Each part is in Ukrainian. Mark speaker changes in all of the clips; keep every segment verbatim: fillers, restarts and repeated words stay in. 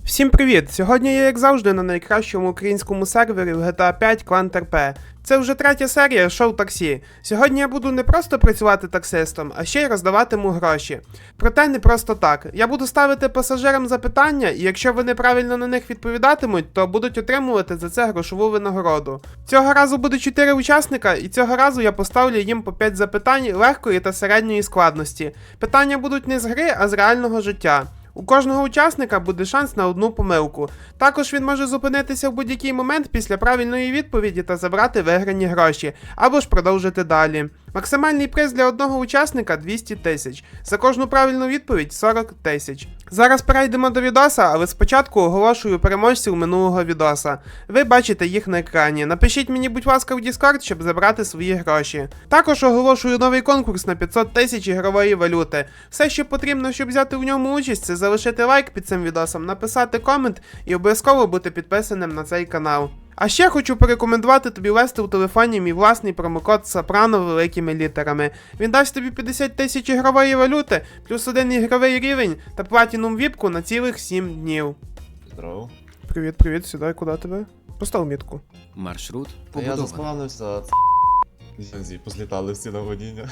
Speaker 1: Всім привіт! Сьогодні я, як завжди, на найкращому українському сервері в джі ті ей п'ять Клан ТРП. Це вже третя серія шоу таксі. Сьогодні я буду не просто працювати таксистом, а ще й роздаватиму гроші. Проте не просто так. Я буду ставити пасажирам запитання, і якщо вони правильно на них відповідатимуть, то будуть отримувати за це грошову винагороду. Цього разу буде чотири учасника, і цього разу я поставлю їм по п'ять запитань легкої та середньої складності. Питання будуть не з гри, а з реального життя. У кожного учасника буде шанс на одну помилку. Також він може зупинитися в будь-який момент після правильної відповіді та забрати виграні гроші, або ж продовжити далі. Максимальний приз для одного учасника двісті тисяч. За кожну правильну відповідь сорок тисяч. Зараз перейдемо до відоса, але спочатку оголошую переможців минулого відоса. Ви бачите їх на екрані. Напишіть мені, будь ласка, в Discord, щоб забрати свої гроші. Також оголошую новий конкурс на п'ятсот тисяч ігрової валюти. Все, що потрібно, щоб взяти в ньому участь, це залишити лайк під цим відосом, написати комент і обов'язково бути підписаним на цей канал. А ще хочу порекомендувати тобі ввести у телефоні мій власний промокод Сопрано великими літерами. Він дасть тобі п'ятдесят тисяч ігрової валюти, плюс один ігровий рівень та платінум віпку на цілих сім днів.
Speaker 2: Здорово.
Speaker 1: Привіт, привіт, сідай, куди тебе? Постав мітку.
Speaker 3: Маршрут
Speaker 2: Та я
Speaker 3: побудований.
Speaker 2: заспавнився, Зі, позлітали всі на водіння.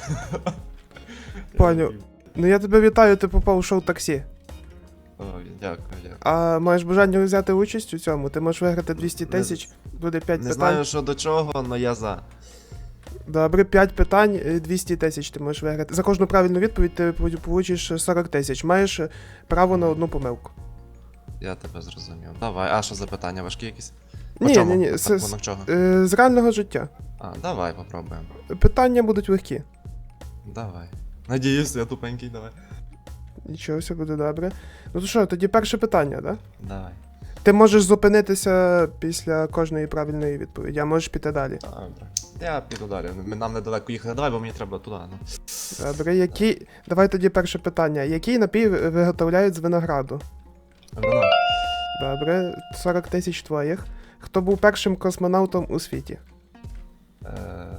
Speaker 1: Паню, ну я тебе вітаю, ти попав у шоу таксі.
Speaker 2: О, дякую, дякую.
Speaker 1: А маєш бажання взяти участь у цьому? Ти можеш виграти двісті тисяч, буде п'ять
Speaker 2: Не
Speaker 1: питань.
Speaker 2: знаю, що до чого, але я за.
Speaker 1: Добре, п'ять питань, двісті тисяч ти можеш виграти. За кожну правильну відповідь ти получиш сорок тисяч. Маєш право на одну помилку.
Speaker 2: Я тебе зрозумів. Давай, а що за питання, важкі якісь? По
Speaker 1: Ні,
Speaker 2: чому?
Speaker 1: ні, ні,
Speaker 2: Так,
Speaker 1: з,
Speaker 2: воно в чого?
Speaker 1: е, з реального життя.
Speaker 2: А, давай попробуємо.
Speaker 1: Питання будуть легкі.
Speaker 2: Давай. Надіюсь, я тупенький, давай.
Speaker 1: Нічого, все буде добре. Ну то що, тоді перше питання, да?
Speaker 2: Давай.
Speaker 1: Ти можеш зупинитися після кожної правильної відповіді, а можеш піти далі.
Speaker 2: Добре. Я піду далі. Нам недалеко їхати. Давай, бо мені треба туди. Ну.
Speaker 1: Добре, які. Давай тоді перше питання. Який напій виготовляють з винограду?
Speaker 2: Вино.
Speaker 1: Добре, сорок тисяч твоїх. Хто був першим космонавтом у світі?
Speaker 2: Е,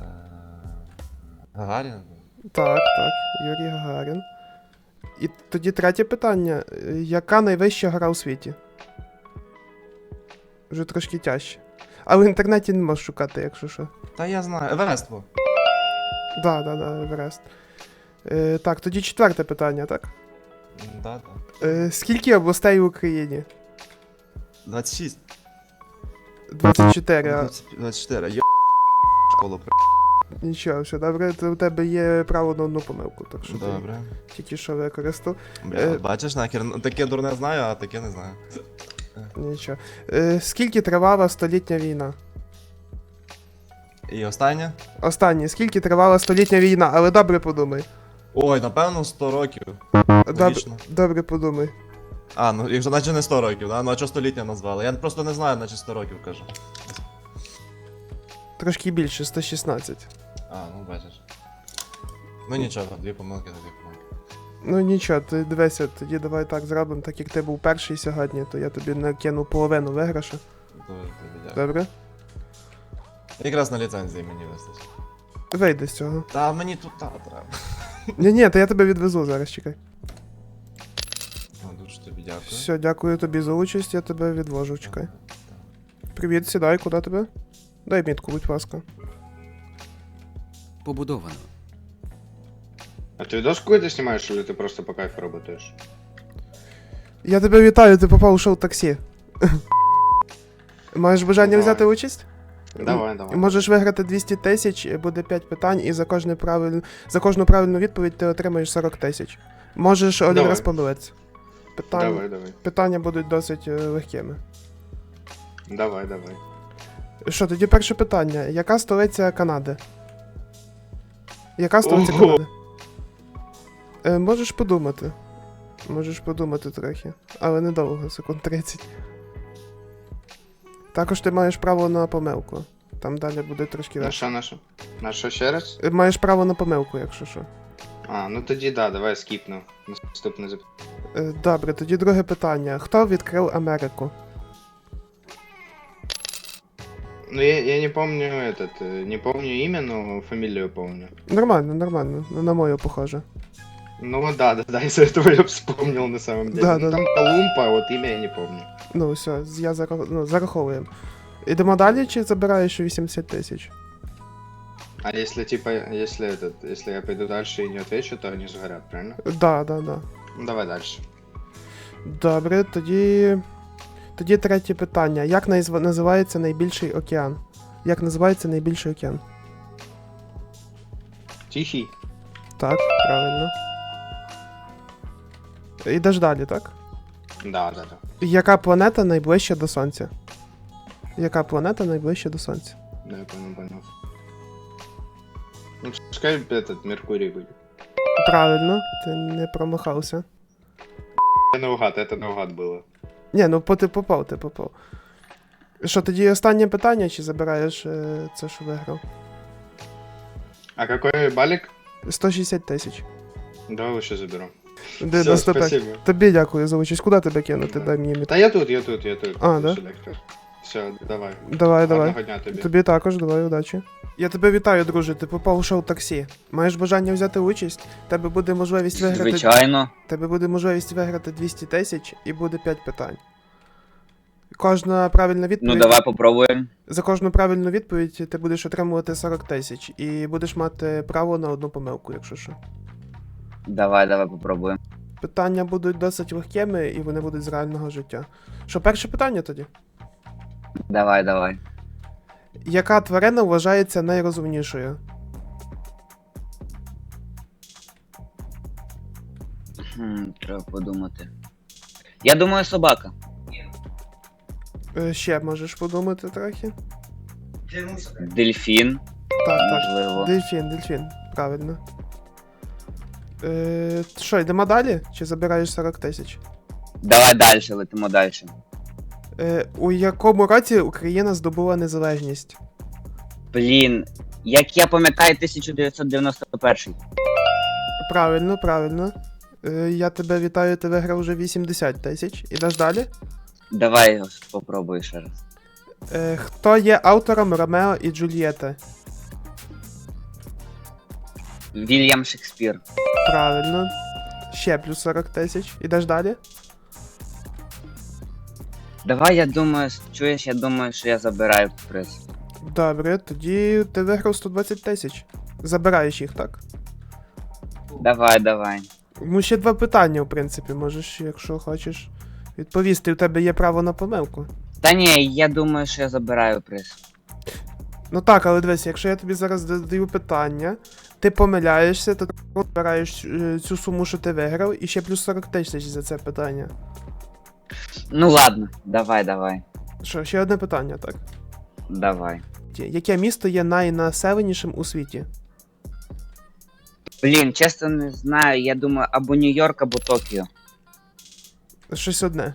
Speaker 2: Гагарін?
Speaker 1: Так, так, Юрій Гагарін. І тоді третє питання. Яка найвища гора у світі? Вже трошки тяжче. А в інтернеті не можеш шукати, якщо що.
Speaker 2: Та я знаю. Еверест був.
Speaker 1: Да, да, да, Еверест. Е, так, тоді четверте питання, так?
Speaker 2: Да, да.
Speaker 1: Е, скільки областей в Україні?
Speaker 2: двадцять шість.
Speaker 1: двадцять чотири. а-
Speaker 2: двадцять чотири. Йо... школу при...
Speaker 1: Нічого, все добре, то у тебе є право на одну помилку, так що
Speaker 2: Добре.
Speaker 1: ти тільки що використав.
Speaker 2: Бля,
Speaker 1: Е.
Speaker 2: бачиш, нахер, ну, таке дурне знаю, а таке не знаю.
Speaker 1: Нічого. Е, скільки тривала столітня війна?
Speaker 2: І останнє?
Speaker 1: Останнє, скільки тривала столітня війна, але добре подумай.
Speaker 2: Ой, напевно, сто років.
Speaker 1: Добре,
Speaker 2: Логічно.
Speaker 1: добре подумай.
Speaker 2: А, ну якщо наче не сто років, да? Ну а чого століття назвали? Я просто не знаю, наче сто років кажу.
Speaker 1: Трошки більше, сто шістнадцять.
Speaker 2: А, ну бачиш. Ну нічого, дві помилки, то дві помилки.
Speaker 1: Ну нічого, ти дивися, тоді давай так зробимо, так як ти був перший сьогодні, то я тобі накину половину виграшу.
Speaker 2: Дуже тобі дякую.
Speaker 1: Добре?
Speaker 2: Якраз на ліцензії мені вистачить.
Speaker 1: Вийди з цього.
Speaker 2: Та мені тут та треба.
Speaker 1: Ні, ні, то я тебе відвезу зараз, чекай.
Speaker 2: Ну, дуже тобі дякую.
Speaker 1: Все, дякую тобі за участь, я тебе відвожу, чекай. Привіт, сідай, куди тебе? Дай мітку, будь ласка.
Speaker 3: Побудовано.
Speaker 4: А ты видос какой-то снимаешь, или ты просто по кайфу работаешь?
Speaker 1: Я тебе вітаю, ти попав у шоу таксі. Маєш бажання
Speaker 4: Давай.
Speaker 1: взяти участь?
Speaker 4: Давай, давай.
Speaker 1: Можеш виграти двісті тисяч, буде п'ять питань, і за кожне правиль... за кожну правильну відповідь ти отримаєш сорок тисяч. Можеш один
Speaker 4: Давай.
Speaker 1: раз помилитися. Питання...
Speaker 4: Давай, давай.
Speaker 1: Питання будуть досить е, легкими.
Speaker 4: Давай, давай.
Speaker 1: Що, тоді перше питання. Яка столиця Канади? Яка столиця
Speaker 4: Ого.
Speaker 1: Канади? Е, можеш подумати. Можеш подумати трохи. Але недовго, секунд тридцять. Також ти маєш право на помилку. Там далі буде трошки легше.
Speaker 4: Наша, наша. Наша ще раз?
Speaker 1: Е, Маєш право на помилку, якщо що.
Speaker 4: А, ну тоді да, давай скіпну. Наступне запитання.
Speaker 1: Е, Добре, тоді друге питання. Хто відкрив Америку?
Speaker 4: Ну я, я не помню этот, э, не помню имя, но фамилию помню.
Speaker 1: Нормально, нормально. На мою похоже.
Speaker 4: Ну да, да, да, из-за этого я вспомнил на самом деле.
Speaker 1: Да,
Speaker 4: Ну,
Speaker 1: да,
Speaker 4: там Колумб, а вот имя я не помню.
Speaker 1: Ну, все, я зарах... ну, зараховуємо. Ідемо далі, чи забираєш вісімдесят тисяч?
Speaker 4: А если типа, если этот, если я пойду дальше и не отвечу, то они сгорят, правильно?
Speaker 1: Да, да, да.
Speaker 4: Ну давай дальше.
Speaker 1: Добре, тоді. Тоді третє питання. Як назв... називається найбільший океан? Як називається найбільший океан?
Speaker 4: Тихий?
Speaker 1: Так, правильно. Ідеш далі, так?
Speaker 4: Да, да, да.
Speaker 1: Яка планета найближча до Сонця? Яка планета найближча до Сонця?
Speaker 4: Да, я понял, понял. Ну, пускай этот Меркурий будет.
Speaker 1: Правильно, ти не промахався.
Speaker 4: Это наугад, это наугад было.
Speaker 1: Ні, ну по- ти попав, ти попав. Що, тоді останнє питання, чи забираєш е, це, що виграв?
Speaker 4: А какой балик?
Speaker 1: сто шістдесят тисяч.
Speaker 4: Давай лучше заберу.
Speaker 1: Де
Speaker 4: Все,
Speaker 1: наступне?
Speaker 4: спасибо.
Speaker 1: Тобі дякую за участь. Куди тебе кинути? Дай мені міт.
Speaker 4: Да я тут, я тут, я тут.
Speaker 1: А, да?
Speaker 4: Все, давай.
Speaker 1: Давай, давай.
Speaker 4: Гарного дня тобі.
Speaker 1: Тобі також, давай, удачі. Я тебе вітаю, друже. Ти попав у шоу таксі. Маєш бажання взяти участь? Тебе буде можливість виграти.
Speaker 3: Звичайно.
Speaker 1: Тебе буде можливість виграти двісті тисяч і буде п'ять питань. Кожна правильна відповідь.
Speaker 3: Ну давай попробуємо.
Speaker 1: За кожну правильну відповідь ти будеш отримувати сорок тисяч і будеш мати право на одну помилку, якщо що.
Speaker 3: Давай, давай попробуємо.
Speaker 1: Питання будуть досить легкими і вони будуть з реального життя. Що, перше питання тоді?
Speaker 3: Давай, давай.
Speaker 1: Яка тварина вважається найрозумнішою?
Speaker 3: Хм, треба подумати. Я думаю, собака.
Speaker 1: Е, Ще можеш подумати трохи?
Speaker 3: Дельфін.
Speaker 1: Так, так.
Speaker 3: Можливо.
Speaker 1: Дельфін, дельфін. Правильно. Е, що, йдемо далі? Чи забираєш сорок тисяч?
Speaker 3: Давай далі, летимо далі.
Speaker 1: Е, у якому році Україна здобула незалежність?
Speaker 3: Блін, як я пам'ятаю, тисяча дев'ятсот дев'яносто перший.
Speaker 1: Правильно, правильно. Е, я тебе вітаю, ти виграв вже вісімдесят тисяч. Ідеш далі?
Speaker 3: Давай його спробуй ще раз.
Speaker 1: Е, хто є автором Ромео і Джульєти?
Speaker 3: Вільям Шекспір.
Speaker 1: Правильно. Ще плюс сорок тисяч. Ідеш далі?
Speaker 3: Давай, я думаю, чуєш, я думаю, що я забираю приз.
Speaker 1: Добре, тоді ти виграв сто двадцять тисяч. Забираєш їх, так?
Speaker 3: Давай, давай.
Speaker 1: Ну, ще два питання, в принципі, можеш, якщо хочеш, відповісти. У тебе є право на помилку.
Speaker 3: Та ні, я думаю, що я забираю приз.
Speaker 1: Ну так, але дивись, якщо я тобі зараз задаю питання, ти помиляєшся, то ти збираєш е, цю суму, що ти виграв, і ще плюс сорок тисяч за це питання.
Speaker 3: Ну ладно, давай, давай.
Speaker 1: Що, ще одне питання, так?
Speaker 3: Давай.
Speaker 1: Яке місто є найнаселенішим у світі?
Speaker 3: Блін, чесно не знаю, я думаю, або Нью-Йорк, або Токіо.
Speaker 1: Щось одне.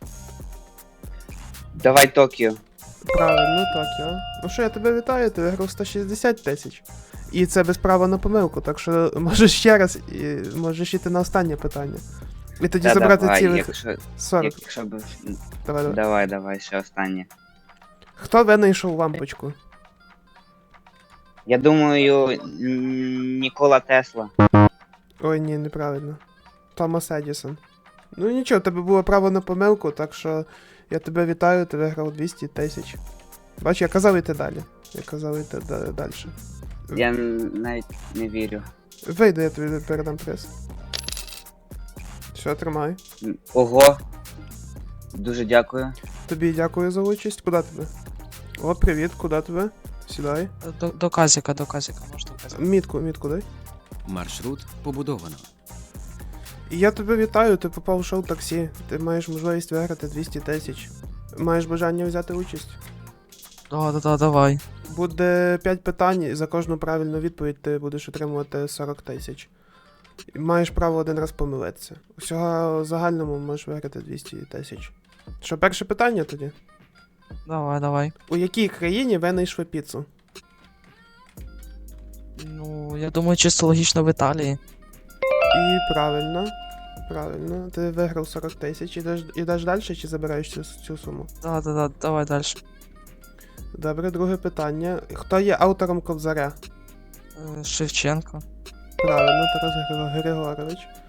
Speaker 3: Давай Токіо.
Speaker 1: Правильно, Токіо. Ну що, я тебе вітаю, ти виграв сто шістдесят тисяч. І це без права на помилку, так що можеш ще раз, і можеш іти на останнє питання. І тоді
Speaker 3: Та
Speaker 1: забрати
Speaker 3: давай,
Speaker 1: цілих
Speaker 3: якщо,
Speaker 1: сорок.
Speaker 3: якщо б...
Speaker 1: Давай, давай.
Speaker 3: Давай, давай, ще останнє.
Speaker 1: Хто винайшов лампочку?
Speaker 3: Я думаю, м, Нікола Тесла.
Speaker 1: Ой, ні, неправильно. Томас Едісон. Ну нічого, в тебе було право на помилку, так що я тебе вітаю, ти виграв двісті тисяч. Бач, я казав йти далі. Я казав йти да- далі.
Speaker 3: Я н- навіть не вірю.
Speaker 1: Вийди, я тобі передам приз. Все, тримай.
Speaker 3: М, Ого. Дуже дякую.
Speaker 1: Тобі дякую за участь. Куди тебе? О, привіт, куди тебе? Сідай.
Speaker 5: До, до казика, до казика, може до казика.
Speaker 1: Мітку, мітку дай.
Speaker 6: Маршрут побудовано.
Speaker 1: І я тебе вітаю, ти попав у шоу таксі. Ти маєш можливість виграти двісті тисяч. Маєш бажання взяти участь?
Speaker 5: Да, да, да, давай.
Speaker 1: Буде п'ять питань, і за кожну правильну відповідь ти будеш отримувати сорок тисяч. І маєш право один раз помилитися. Усього в загальному можеш виграти двісті тисяч. Що, перше питання тоді?
Speaker 5: Давай, давай.
Speaker 1: У якій країні винайшли піцу?
Speaker 5: Ну, я думаю, чисто логічно в Італії.
Speaker 1: І правильно. Правильно. Ти виграв сорок тисяч. Ідеш, ідеш далі чи забираєш цю, цю суму?
Speaker 5: Да, да, да, давай далі.
Speaker 1: Добре, друге питання. Хто є автором Кобзаря?
Speaker 5: Е, Шевченко.
Speaker 1: Правильно, Тарас Григорович.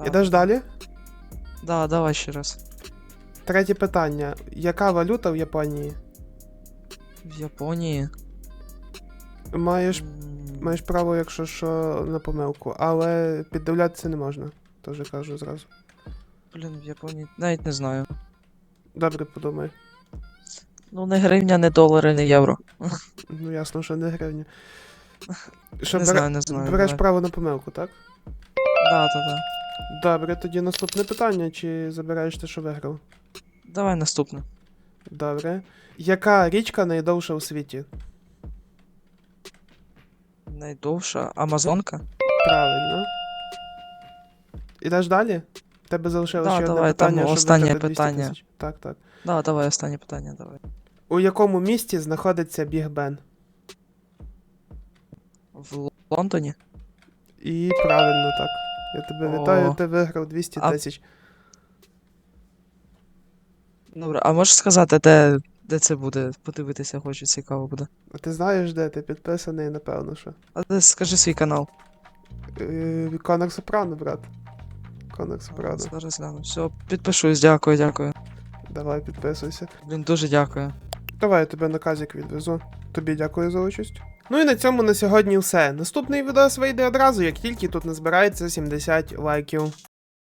Speaker 5: Так.
Speaker 1: Ідеш далі?
Speaker 5: Да, давай ще раз.
Speaker 1: Третє питання. Яка валюта в Японії?
Speaker 5: В Японії.
Speaker 1: Маєш,
Speaker 5: М,
Speaker 1: маєш право, якщо що, на помилку, але піддивлятися не можна. Теж кажу зразу.
Speaker 5: Блін, в Японії. Навіть не знаю.
Speaker 1: Добре, подумай.
Speaker 5: Ну, не гривня, не долари, не євро.
Speaker 1: Ну ясно, що не гривня. Що,
Speaker 5: Не
Speaker 1: бере-
Speaker 5: знаю, не знаю.
Speaker 1: береш
Speaker 5: давай.
Speaker 1: право на помилку, так?
Speaker 5: Да, да, да.
Speaker 1: Добре, тоді наступне питання, чи забираєш те, що виграв?
Speaker 5: Давай наступне.
Speaker 1: Добре. Яка річка найдовша у світі?
Speaker 5: Найдовша Амазонка?
Speaker 1: Правильно. Ідеш далі? В тебе залишилося
Speaker 5: Да,
Speaker 1: ще одне
Speaker 5: давай, там
Speaker 1: питання, щоб
Speaker 5: останнє
Speaker 1: виграти двісті
Speaker 5: питання.
Speaker 1: тисяч. Так, так.
Speaker 5: Да, давай останнє питання, давай.
Speaker 1: У якому місті знаходиться Біг Бен?
Speaker 5: В Лондоні?
Speaker 1: І правильно так. Я тебе
Speaker 5: О.
Speaker 1: вітаю, ти виграв двісті
Speaker 5: А-
Speaker 1: тисяч.
Speaker 5: Добре, а можеш сказати, де, де це буде? Подивитися, хочу, цікаво буде.
Speaker 1: А ти знаєш, де ти підписаний, напевно, що.
Speaker 5: А ти скажи свій канал.
Speaker 1: Е, Конор Сопрано, брат. Конор Сопрано.
Speaker 5: Зараз гляну. Все, підпишусь, дякую, дякую.
Speaker 1: Давай, підписуйся.
Speaker 5: Блін, дуже дякую.
Speaker 1: Давай я тебе наказик відвезу. Тобі дякую за участь. Ну і на цьому на сьогодні все. Наступний відос вийде одразу, як тільки тут назбирається сімдесят лайків.